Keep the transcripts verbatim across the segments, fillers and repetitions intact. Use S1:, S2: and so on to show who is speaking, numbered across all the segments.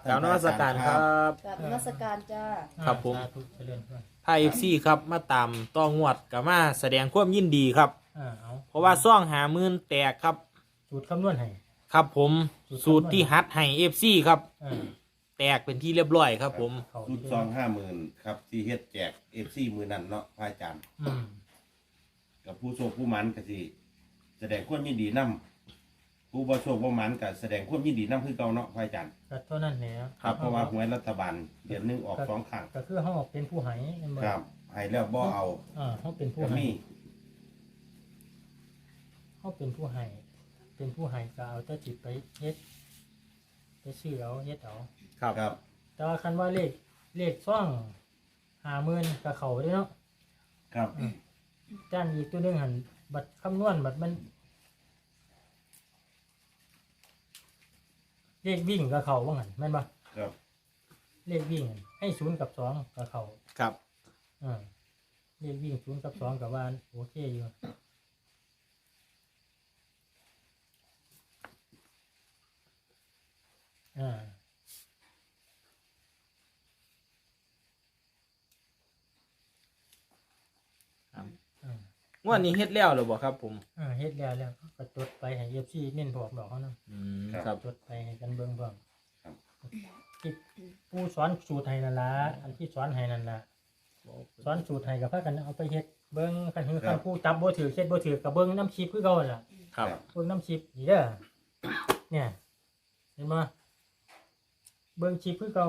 S1: กราบนมัสการครับ
S2: กราบนมัสการจ้า
S1: ครับผม
S3: สาธุเจริญพร
S1: ไทยเอฟซีครับมาตามต้องงวดกับมาแสดงความยินดีครับ
S3: อ่าเอา
S1: เพราะว่าซ่องหาหมื่นแตกครับ
S3: สูตรคำนวณให้
S1: ครับผม
S3: สู
S1: สู
S3: ต
S1: ต
S3: ร
S1: ร
S3: คำนวณ
S1: ที่ฮัดให้เอฟซีครับ
S3: อ่า
S1: แตกเป็นที่เรียบร้อยครับผม
S3: เขา
S4: ชุดซองห้าหมื่นครับที่เฮ็ดแจกเอฟซีมือนั่นเนาะพระอาจารย์
S3: อืม
S4: กับผู้โชคผู้หมันก็สิแสดงความยินดีนํผู้บ่โชคบ่หมันก็แสดงความยินดีนํคือเก่าเนาะพระอาจารย์
S3: ก็เท่านั้นแหละ
S4: ครับเพราะว่าหวยรัฐบาลเดือนหนึงออกสองครั้ง
S3: ก็คือเขาเป็นผู้ให้แม่นบ่
S4: ครับให้แล้วบ่เอา
S3: อ่าเขาเป็นผู้
S4: ก็
S3: ให้
S4: มี
S3: เขาเป็นผู้ให้เป็นผู้ให้ก็เอาแต่จิตไปเฮ็ดไปซื้อเอาเฮ็ดเอา
S1: ครับ
S4: ครับ
S3: แต่ว่าคันว่าเลขเลขซ่องห้าหมื่นก็เข้าเด้เนาะ
S4: ครับ
S3: จ้านอีกตัวหนึงหั่นบัตรคำนวณบัตรมันเลขวิ่งก็เข้าว่างั้นแม่นบ่
S4: ครับ
S3: เลขวิ่งให้ศูนย์กับสองกับเขา
S1: ครับ
S3: อ่าเลขวิ่งศูนย์กับสองกับว่าโอเคอยู่อ่า
S1: ครับ
S3: อ่าง
S1: วดนี้เฮ็ดแล้วหรือบ่ครับผม
S3: อ่าเฮ็ดแล้วแล้วก็จดไปให้เอฟซีเน้นบอกดอกเขาเนาะ
S1: อืมครับ
S3: จดไปให้กันเบิ่งพร้อม
S4: ครับ
S3: ที่ผู้สอนสูตรให้นั่นล่ะอันที่สอนให้นั่นล่ะสอนสูตรให้กับพากันเอาไปเฮ็ดเบิ่งกันคือคันผู้จับบ่ถือเฮ็ดบ่ถือกับเบิ่งน้ำชีพคือเก่านั่นล่ะ
S1: ครับ
S3: เบิ่งน้ำชิปนี่เด้อ เนี่ย เห็นบ่เบิ่งชิปคือเก่า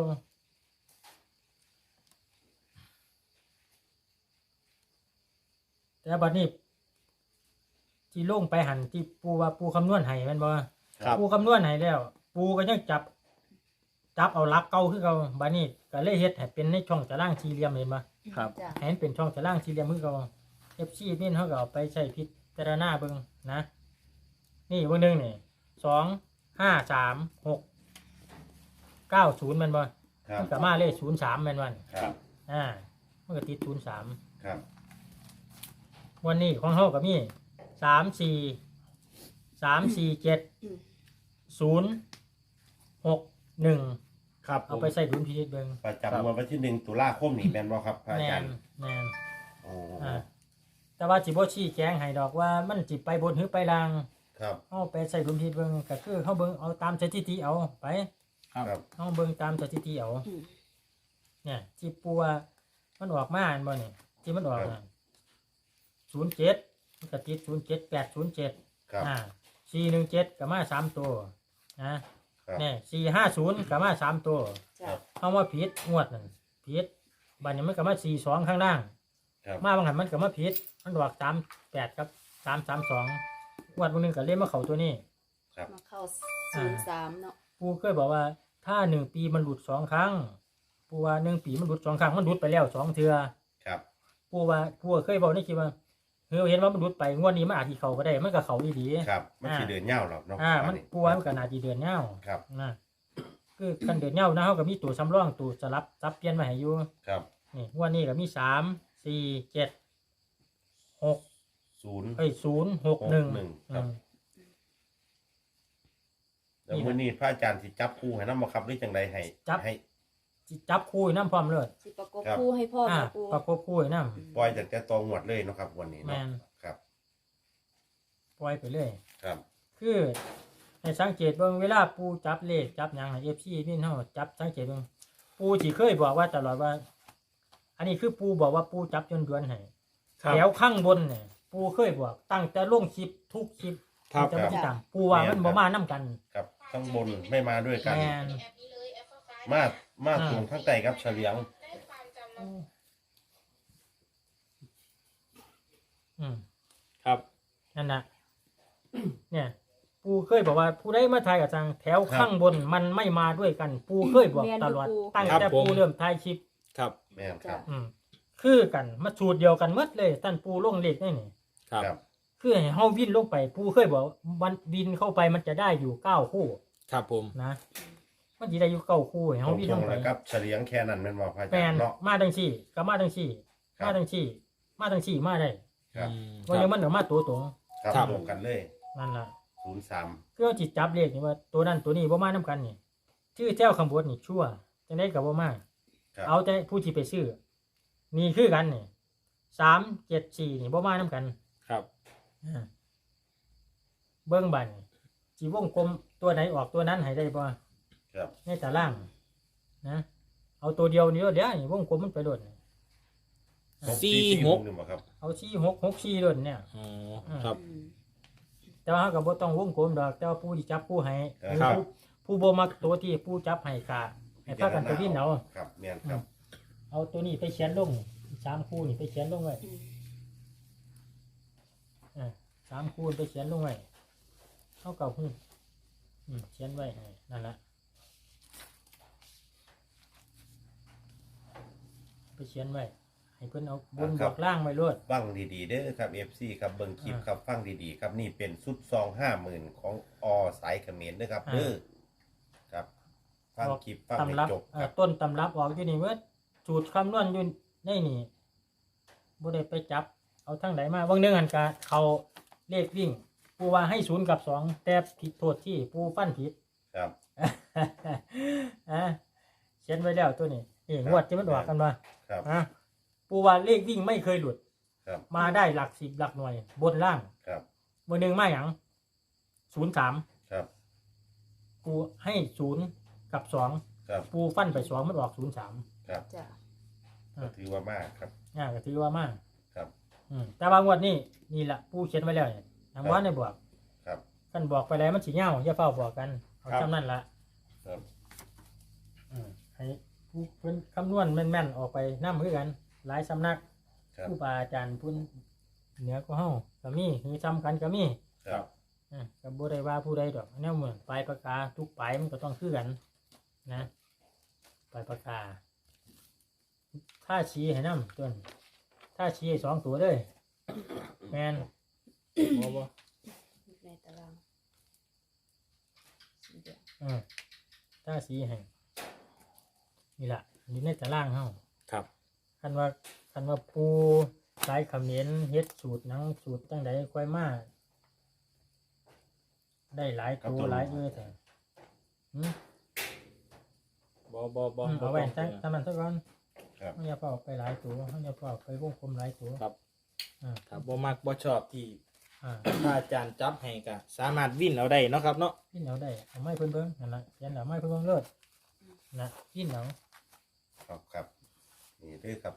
S3: แต่บัดนี้ที่ลงไปหันที่ปูว่าปูคำนวณให้แม่นบ่
S1: ครับ
S3: ปูคำนวณให้แล้ว ปูก็ยังจับ จับเอาหลักเก่าคือเก่าบัดนี้ก็เลยเฮ็ดให้เป็นในช่องตารางสี่เหลี่ยมเห็นบ่
S1: ครับ
S2: จ้า
S3: ให้มันเป็นช่องตารางสี่เหลี่ยมคือเก่า เอฟ ซี นี่เฮาก็เอาไปใช้พิจารณาเบิ่งนะ นี่เบิ่งหนึงนี่สอง ห้า สาม หก เก้า ศูนย์แม่นบ่
S4: ครับ
S3: มันก็มาเลขศูนย์สามแม่นบ่
S4: ครับ
S3: อ่ามันก็ติดศูนย์สาม
S4: ครับ
S3: วันนี้ของเฮาก็มีสาม สี่ สาม สี่ เจ็ด ศูนย์ หก หนึ่ง
S1: ครับผ
S3: เอา
S1: ม
S3: ไปใส่ดุลพินิจเบิ่ง
S4: ประจำวันที่หนึ่งตุลาคมนี่แม่นบ่ครับพระอา
S3: แม่
S4: จาร
S3: น
S4: ย์
S3: แม่น
S4: โอ้
S3: อ่าแต่ว่าสิบ่ชี้แจงให้ดอกว่ามันสิไปบนหรือไปล่าง
S4: ครับ
S3: เอาไปใส่ดุลพินิจเบิ่งก็คือเฮาเบิ่งเอาตามสถิติเอาไป
S1: ครับ
S4: ครับ
S3: เฮาเบิ่งตามสถิติเอาเนี่ยที่ปูว่ามันออกมาอันบ่เนี่ยที่มันออกน่ะศูนย์เจ็ดมันก็ติดศูนย์เจ็ด แปด ศูนย์เจ็ด
S4: ครับ
S3: อ่าสี่หนึ่งเจ็ดก็มาสามตัวนะครับ เนี่ยสี่ห้าศูนย์ก็มาสามตัว
S2: จ้า
S3: เฮาว่าผิดงวดนั่นผิดบัดนี้มันก็มาสี่สองข้างล่าง
S4: ครับ
S3: มาบางหันมันก็มาผิดมันออกสามแปดกับสามสามสองงวดบางนึงก็เล่นมาเข้าตัวนี้
S4: ครับ
S2: มาเข้าศูนย์สามเนาะ
S3: ปูเคยบอกว่าถ้าหนึ่งปีมันหลุดสองครั้งปูว่าหนึ่งปีมันหลุดสองครั้งมันหลุดไปแล้วสองเทือ
S4: ครับ
S3: ปูว่าปูเคยบอกในคลิปว่าเฮ้ยเห็นว่ามันหลุดไปงวดนี้มันอาจจะเขาก็ได้มันก็เขาดี
S4: ครับมันสิเดินยาวหรอกเนาะ
S3: อ่ามันปูว่ามันก็น่าจะเดือนเน่า
S4: ครับ
S3: นะคือกันเดือนเน่านะเขาก็มีตัวสำรองตัวสลับซับเปลี่ยนมาให้อยู่
S4: ครับ
S3: นี่งวดนี้ก็มีสามสี่เจ็ดหก
S4: ศูนย์
S3: เอ้ยศูนย์หกหนึ่ง
S4: หนึ่งครับ แล้วมื้อนี้พระอาจารย์สิจับคู่ให้นำบ่ครับหรือจังไดให้
S3: จับ
S4: ให้
S3: จับคู่น้ำพร้อมเลย
S2: สิประกบ
S4: ครับ
S2: คู่ให้พ่อ
S3: อ่า
S2: กับปู
S3: ประกบคู่น้
S4: ปล่อยจากแต่ตองวดเลยเนาะครับวันนี้
S3: แม่
S4: เนาะ
S3: น
S4: ครับ
S3: ำปล่อยไปเลย
S4: ครับ
S3: คือให้สังเกตเบิ่งเวลาปูจับเลขจับหยังเอฟซีนี่เฮาจับสังเกตเบิ่งปูสิเคยบอกว่าตลอดว่า อันนี้คือปูบอกว่าปูจับจนดวนให้
S1: ครับ
S3: แถวข้างบนเนี่ยปูเคยบอกตั้งแต่ลงคลิปทุกคลิป
S1: ครับ
S3: จะไม่ติดตามปูว่ามันบ่มานํกัน
S4: ครับข้างบนไม่มาด้วยกัน
S3: แม่น
S4: มามา
S3: อ่า
S4: ตรงข้างใต้ครับเฉลียง
S3: อืม
S1: ครับ
S3: นั่นน่ะ เนี่ย ปูเคยบอกว่าผู้ใดมาทายกับทางแถวข้างบนมันไม่มาด้วยกัน ปูเคยบอกตลอดตั้งแต่ปูเริ่มทายคลิป
S1: ครับ
S4: แม่นครับ
S3: อืมคือกันมาสูตรเดียวกันหมดเลยท่านปูลงเลขได้นี่
S1: ครับ
S4: ครับ
S3: คือให้เฮาวิ่นลงไป ปูเคยบอกมันวินเข้าไปมันจะได้อยู่เก้าคู่
S1: ครับผม
S3: นะมันจะได้อยู่เก้าคู่ให้
S4: ตร
S3: เฮาง วิ่น
S4: ต
S3: ล
S4: รง
S3: งไป
S4: แล้วครับเฉลียงแค่นั้นแม่นบ่พระอา
S3: แปล
S4: จาร
S3: น
S4: ย์เนาะ
S3: มาทั้งสี่ก็มาทั้งสี่
S4: ครับ
S3: มาทั้งสี่ มาทั้งสี่มาได้
S4: ครับ
S1: อืม
S3: ว่ายังมันออกมาตัวตรง
S4: ครับ
S1: ครับ
S4: ตรงกันเลย
S3: นั่นล่ะ
S4: ศูนย์สาม
S3: คือเอาจิตจับเลขนี่ว่าตัวนั้นตัวนี้บ่มานํกันนี่ชื่อเจ้าคำบดนี่ชั่วจังได้กับว่ามา
S4: ครับ
S3: เอาแต่ผู้ที่ไปซื้อนี่คือกันนี่สามเจ็ดสี่นี่บ่มาน้ำกัน
S1: ครับ
S3: อ่าเบิ้งบันจีวงกลมตัวไหนออกตัวนั้นให้ได้บ่
S4: ครับ
S3: ในตารางนะเอาตัวเดียวนี่เดี๋ยวนี่วงกลมมันไปโดดนี่
S1: สี่หก
S4: หนึ่งบ่ครับ
S3: เอาสี่หกหกสี่โดดเนี่ย
S1: อ๋อครับ
S2: อืม
S3: แต่ว่าเขาก็บ่ต้องวงกลมดอกแต่ว่าผู้ที่จับผู้ให้
S1: ครับ
S3: ผู้ผู้บ่มักตัวที่ผู้จับให้กะให้พากันไปวิ่งเอา
S4: ครับแม่นครับ
S3: เอาตัวนี้ไปเขียนลงสามคู่นี่ไปเขียนลงไว้
S2: อืม
S3: อ่าสามคู่ไปเขียนลงไว้เท่ากับหูอืมเขียนไว้ให้นั่นแหละไปเขียนไว้ให้เพิ่นเอาบนบอกล่างไว้รวด
S4: ฟังดีๆเด้อครับ เอฟ ซี ครับเบิ่งคลิป
S3: อ่า
S4: ครับฟังดีๆครับนี่เป็นชุดซองห้าหมื่นของอสายเขมรนะครับ
S3: อ่า
S4: เด้อครับฟังคลิปฟังให้
S3: ตำรับ
S4: จบ
S3: เอ่
S4: ค
S3: อ
S4: รับ
S3: ต้นตำรับออกอยู่นี่เมื่อสูตรคำนวณอยู่ในนี่บ่ได้ไปจับ เอาทั้งไหนมาบางเนื่องหันกาเขาเลขวิ่ง ปูว่าให้ศูนย์กับสองแต่ผิดโทษที่ปูฟันผิด
S4: ครับ
S3: อ่ะเขียนไว้แล้วตัวนี้นี่งวดที่มันออกกันมา
S4: ครับ
S3: อ่ะปูว่าเลขวิ่งไม่เคยหลุด
S4: ครับ
S3: มาได้หลักสิบหลักหน่วย บนล่าง
S4: ครับ
S3: บนหนึ่งมาอย่างศูนย์สาม
S4: ครับ
S3: ปูให้ศูนย์กับสอง
S4: ครับ
S3: ปูฟันไปสองมันออกศูนย์สาม
S4: ครับ
S2: จ้ะ
S4: ก็ถือว่ามากครับ
S3: อ่าก็ถือว่ามาก
S4: ครับ
S3: อืมแต่บางวดนี่นี่แหละปูเขียนไว้แล้วเนี่ยทางวัดในบอก
S4: ครับ
S3: กันบอกไปแล้วมันสีเงาอย่าเฝ้าบอกกันเอา
S1: ครับ
S3: จำนั่นละ
S4: ครับ
S3: อืมให้ผู้เพิ่นคำนวณแม่นๆออกไปน้ำมือกัน หลายสำนัก
S4: ครับ
S3: ผู้บาอาจารย์พุ่นเหนือก็เฮาก็มีคือซ้ำกันก็มี
S4: ครับ
S3: อ่าก็บ่ได้ว่าผู้ใดดอกแนวเหมือนปลายปากกาทุกปลายมันก็ต้องคือกัน นะปลายปากกา ถ้าชี้ให้น้ำต้นถ้าชี้ให้สองตัวเลยแมนบ่บ่
S2: ในตารางสีแดง
S3: อืมถ้าชี้ให้นี่ล่ะอยู่ในตารางเฮา
S1: ครับ
S3: คันว่าคันว่าปูสายเขมิ้นเฮ็ดสูตรหนังสูตรตั้งใดค่อยมาได้หลายตัวหลายเอ้อแต่หืม
S1: บ่บ่บ่
S3: อืม
S1: บ่
S3: เอาไว้
S1: ต้
S3: ตั้
S1: อง
S3: งทำมันซะก่อน
S4: ครับ
S3: เขาอย่าเป่าไปหลายตัวเขาอย่าเป่าไปวงกลมหลายตัว
S1: ครับ
S3: อ่า
S1: ถ้าบ่มักบ่ชอบที่
S3: อ่า
S1: พระอาจารย์จับให้ก็สามารถวิ่นเอาได้เนาะครับเนาะ
S3: พินเอาได้เอาไม้เพิ่นเบิ่งนั่นล่ะเขียนเอาไม้เพิ่นเบิ่งเลิศนะพินเอา
S4: ครับครับนี่เด้อครับ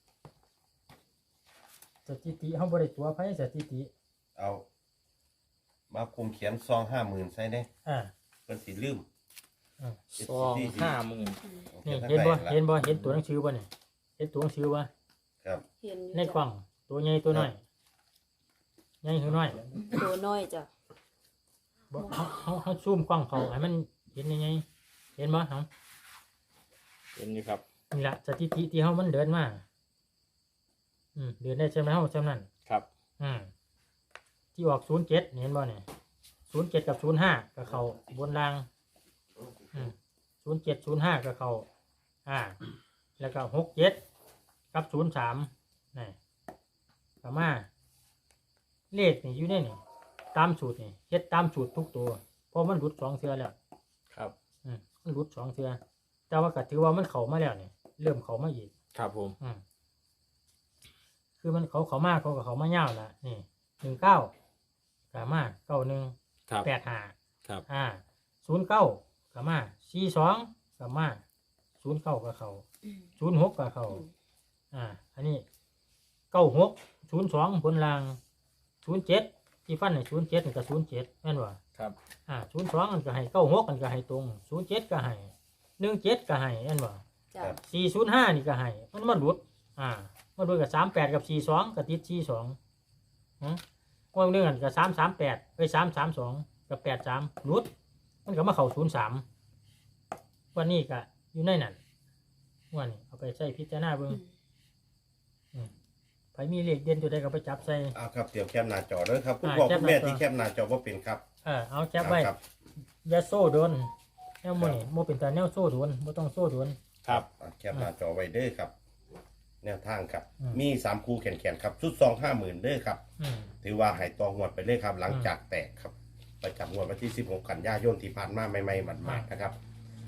S3: สถิติเฮาบ่ได้ตัวไผสถิติ
S4: เอามาคุมเขียนซองห้าหมื่นใส่เด้
S3: อ่า
S4: เพิ่นสิลืม
S3: อ่า
S1: ซองห้าหมื่น
S2: อืม
S3: นี่
S4: ขี
S3: เห็นบ่
S4: ทั้งใ
S3: เห็นบ่เห็นตัวหนังสือบ่เนี่ยเห็นตัวหนังสือบ่
S4: ครับ
S2: เห็นอยู่
S3: ใน
S2: จ้ะ
S3: กล่องตัวใหญ่ตัวน้อยใหญ่คือน้อย
S2: ตัวน้อยจ้ะ
S3: บ่เฮาเฮาเฮาซูมกล้องเขาให้มันเห็นยังไงเห็นบ่เฮา
S1: เห็นอยู่ครับ
S3: นี่ล่ะสถิติที่เฮามันเดินมาอืมเดินได้ใช่ไหมเฮาจำนั้น
S1: ครับ
S3: อืมที่ออกศูนย์เจ็ดเห็นบ่เนี่ยศูนย์เจ็ดกับศูนย์ห้ากับเขาบนรางอืมศูนย์เจ็ดศูนย์ห้ากับเขาอ่า แล้วก็หกเจ็ดกับศูนย์สามนี่กับมาเลขนี่อยู่ในนี่ตามสูตรนี่เฮ็ดตามสูตรทุกตัวเพราะมันหลุดสองเทือแล้ว
S1: ครับ
S3: อืมมันหลุดสองเทือแต่ว่าก็ถือว่ามันเข้ามาแล้วนี่เริ่มเข้ามาอีก
S1: ครับผม
S3: อืมคือมันเขาเขามาเขากับเขามาเง่าวละนี่หนึ่งเก้ากามาเก้าหนึ่ง
S1: ครับ
S3: แปดห้า
S1: ครับ
S3: อ่าศูนย์เก้ากามาสี่สองกามาศูนย์เก้ากับเขา
S2: อืม
S3: ศูนย์หกกับเขา
S2: อืม
S3: อ่า อันนี้เก้าหกศูนย์สองบนรางศูนย์เจ็ดที่ฟันในศูนย์เจ็ดกับศูนย์เจ็ดแม่นว่า
S1: ครับ
S3: อ่าศูนย์สองมันก็ให้เก้าหกมันก็ให้ตรงศูนย์เจ็ดก็ให้หนึ่งเจ็ดก็ให้แม่นว่า
S2: จ้ะ
S3: สี่ศูนย์ห้านี่ก็ให้มันมันหลุด อ่ามันหลุดกับสามแปดกับสี่สองกับติดสี่สองฮะว่าเรื่องกันกับสามสามแปดไปสามสามสองกับแปดสามหลุด มันก็มาเข่าศูนย์สามวันนี้ก็อยู่ในนั้นวันนี้เอาไปใส่พิจารณาเบิ่ง
S2: อืม
S3: ไผมีเลขเด่นตัวใดก็ไปจับใส่
S4: เอาครับเดี๋ยวแคปหน้าจอเด้อครับคุณ
S3: อ่า
S4: พ่อ
S3: แคป
S4: คุณแม่
S3: หน้าจอ
S4: ที่แคปหน้าจอบ่เป็นครับ
S3: เออเอาจับไว้
S4: ครับ
S3: อยาโซ่โดนแนวมือนี่โมเป็นตาแนวโซ่โดนบ่ต้องโซ่โดน
S1: ครับ
S4: อ่ะแคปหน้าจอไว้เด้อครับ แนวทางครับ
S3: อืม
S4: มีสามคูแขนแขนครับชุดซองห้าหมื่นเด้อครับ
S3: อืม
S4: ถือว่าหายตองงวดไปเลยครับ หลังจากแตกครับ ประจำงวดวันที่สิบหกกันยายนที่ผ่านมาใหม่ๆหมาดๆนะครับ ไป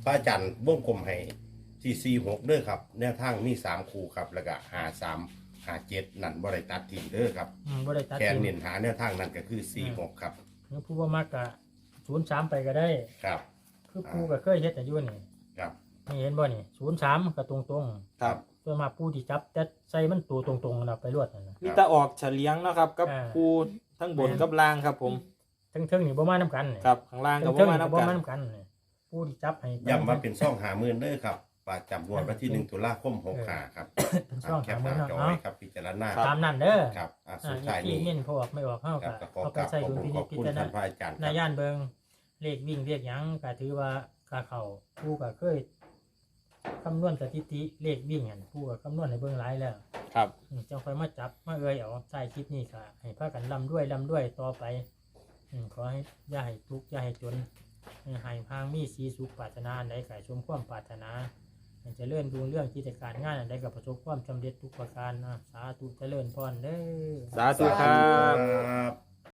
S4: ระอาจารย์วงกลมให้ที่สี่หกเด้อครับแนวทางมีสามคู่ครับแล้วก็หาสามหาเจ็ดนั่นบ่ได้ตัดทิ้งเด้อครับ
S3: อืมบ่ได้ตัด
S4: แค่
S3: ทิ้ง
S4: เน้นหาแนวทางนั้นก็คือสี่หกครับ
S3: หรือผู้บ่มักก็ศูนย์สามไปก็ได้
S4: ครับ
S3: คือผู้ก็เคยเฮ็ดแต่อยู่นี่
S4: ครับ
S3: นี่เห็นบ่นี่ศูนย์สามก็ตรง
S1: ครับ
S3: ๆส่วนมากผู้ที่จับแต่ใส่มันตัวตรงๆน่ะไปรวดนั่นน่ะ
S1: มีแต่ออกเฉลียงเนาะครับกับ
S3: อ่า
S1: คูทั้งบนกับล่างครับผม
S3: เทิงๆนี่บ่มานํกันนี่
S1: ครับข้างล่างก็บ่
S3: เทิงๆ
S1: มา
S3: นี่
S1: นั
S3: ก็
S1: บ
S3: บ่
S1: กัน
S3: มานํกันนี่ผู้ที่จับให้
S4: ย้ำว่าเป็นซ่องหาหมื่นเด้อครับประจำงวดวันที่หนึ่งตุลาคมหกห้าครับ
S3: เป็นช่อง
S4: แค
S3: หา
S4: ปห
S3: มื้อ
S4: น้า
S3: เนาะ
S4: จอ
S3: เนาะ
S4: ไว้ครับพิจารณา
S3: ตามนั้นเด้อ
S4: ครับอ่ะ
S3: อ่า
S4: สุด
S3: อี
S4: ท้าย
S3: ที่
S4: นี้
S3: เน้นพอออกไม่ออกเฮา
S4: ครั
S3: ก็
S4: บก็ขอ
S3: เอา
S4: ก
S3: ไป
S4: ราบ
S3: ใส่
S4: ขอบ
S3: ดุล
S4: คุณ
S3: พิ
S4: ข
S3: นิ
S4: อ
S3: จ
S4: บ
S3: พิ
S4: คุณ
S3: จารณา
S4: ท่านพระอาจารย์ค
S3: นา
S4: รับ
S3: ย่านเบิงเลขวิ่งเลขหยังก็ถือว่าค่าเขาผู้ก็เคยคำนวณสถิติเลขวิ่งหั่นผู้ก็คำนวณให้เบิ่งหลายแล้ว
S1: ครับ
S3: อืมจังค่อยมาจับมาเอ่ยเอาใต้คลิปนี้ก็ให้พากันร่ำด้วยร่ำด้วยต่อไปอืมขอให้อย่าให้ทุกข์อย่าให้จนให้พางมีสีสุขปรารถนาอันใดก็ให้สมความปรารถนาให้เจริญรุ่งเรื่องกิจการงานอันใดก็ประสบความสำเร็จทุกประการนะสาธุเจริญพรเด้อ
S1: สาธุครั
S4: ค
S1: บ
S4: รับ